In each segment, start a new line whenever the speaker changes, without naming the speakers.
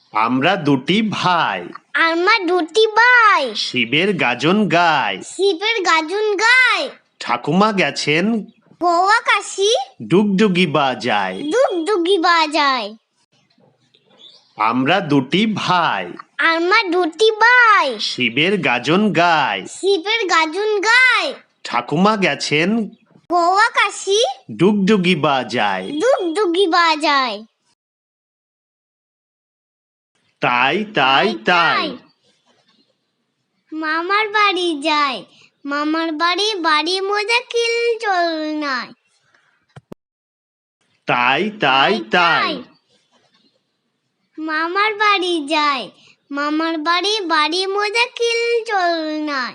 আমরা দুটি ভাই,
আমরা দুটি ভাই,
শিবের গাজন গায়,
শিবের গাজন গায়।
ঠাকুমা গেছেন
গোয়া কাশি,
ডুগডুগি বাজায়।
ডুগডুগি বাজায়।
আমরা দুটি ভাই,
আমরা দুটি ভাই,
শিবের গাজন গায়,
শিবের গাজন গায়।
ঠাকুমা গেছেন
গোয়া কাশি,
ডুগডুগি বাজায়।
ডুগডুগি বাজায়।
তাই তাই তাই
মামার বাড়ি যায়, মামার বাড়ি বাড়ি মজা কিল চল নাই।
তাই তাই তাই
মামার বাড়ি যায়, মামার বাড়ি বাড়ি মজা কিল চল নাই।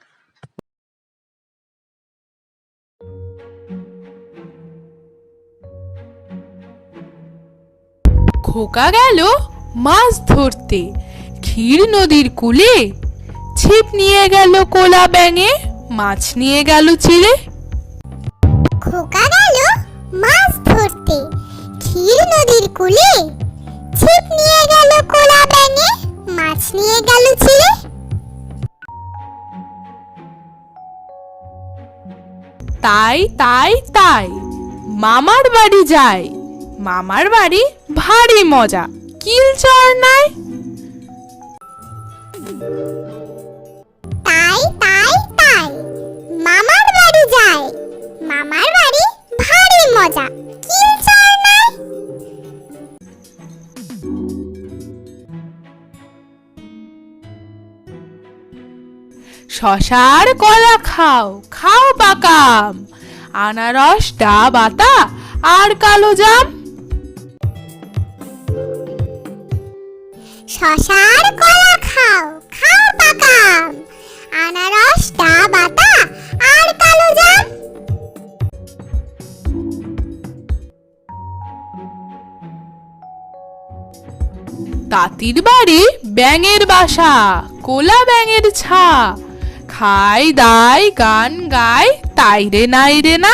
খোকা গেল মাছ ধরতে ক্ষীর নদীর কূলে, ছিপ নিয়ে গেল কোলা ব্যাঙে, মাছ নিয়ে গেল চিলে।
খোকা গেল মাছ ধরতে ক্ষীর নদীর কূলে, ছিপ নিয়ে গেল কোলা ব্যাঙে, মাছ নিয়ে গেল চিলে।
তাই তাই তাই মামার বাড়ি যায়, মামার বাড়ি ভারী মজা কিল চর নাই।
তাই তাই তাই মামার বাড়ি যায়, মামার বাড়ি ভারী মজা কিল চর নাই।
শশার কলা খাও খাও পাকাম, আনারস ডাব আতা আর কালো জাম।
শশার কলা খাও খাও পাকাম, আনারস ডাব আতা আর কালো জাম।
তাঁতির বাড়ি ব্যাঙের বাসা, কোলা ব্যাঙের ছা, খাই দাই গান গায় তাই রে নাই রে না।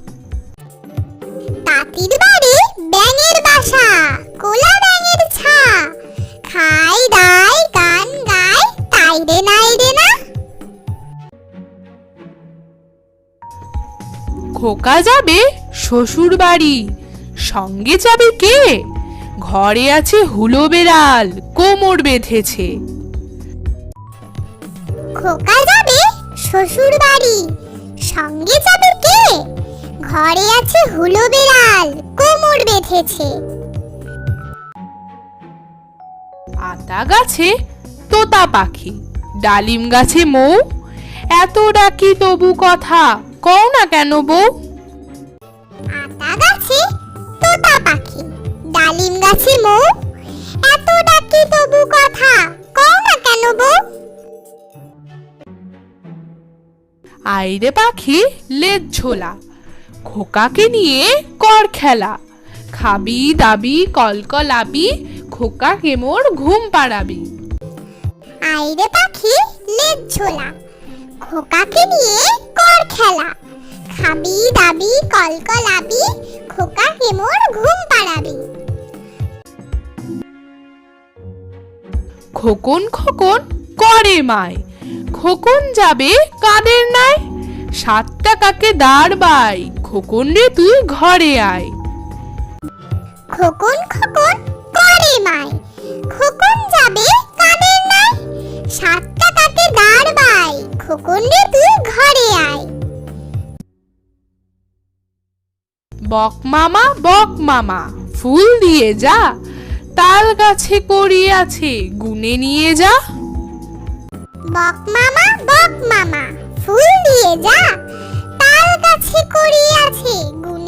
তাঁতির বাড়ি ব্যাঙের বাসা, কোলা ব্যাঙের ছা, খাই দাই গান গায় তাই রে নাই রে না।
খোকা যাবে শ্বশুর বাড়ি, সঙ্গে যাবে কে? ঘরে আছে হুলো বেড়াল, কোমর বেঁধেছে।
খোকা যাবে শ্বশুর বাড়ি, সঙ্গে যাবে কে? ঘরে আছে হুলো বেড়াল, কোমর বেঁধেছে।
আতা গাছে তোতা পাখি, ডালিম গাছে মৌ, এত ডাকি তবু কথা কও না কেন বউ।
আতা গাছে তোতা পাখি, ডালিম গাছে মৌ, এত ডাকি তবু কথা কও না কেন বউ।
আইরে পাখি লেজ ঝোলা, খোকাকে নিয়ে কর খেলা, খাবি দাবি কলকলাবি, খোকাকে মোর ঘুম পাড়াবি।
আইরে পাখি লেজ ঝোলা, খোকাকে নিয়ে কর খেলা, খাবি দাবি কলকলাবি, খোকাকে মোর ঘুম পাড়াবি।
খোকন খোকন করে মায়, খোকন যাবে কাদের নাই, 7 টাকাকে দাঁড় বাই, খোকন রে তুই ঘরে আয়।
খোকন খোকন করে মায়, খোকন যাবে কাদের নাই, 7 টাকাতে দাঁড় বাই, খোকন রে তুই ঘরে আয়।
বক মামা ফুল দিয়ে যা, তাল গাছে করি আছে গুনে নিয়ে যা।
বক মামা ফুল দিয়ে যা, তাল গাছে করি আছে গুনে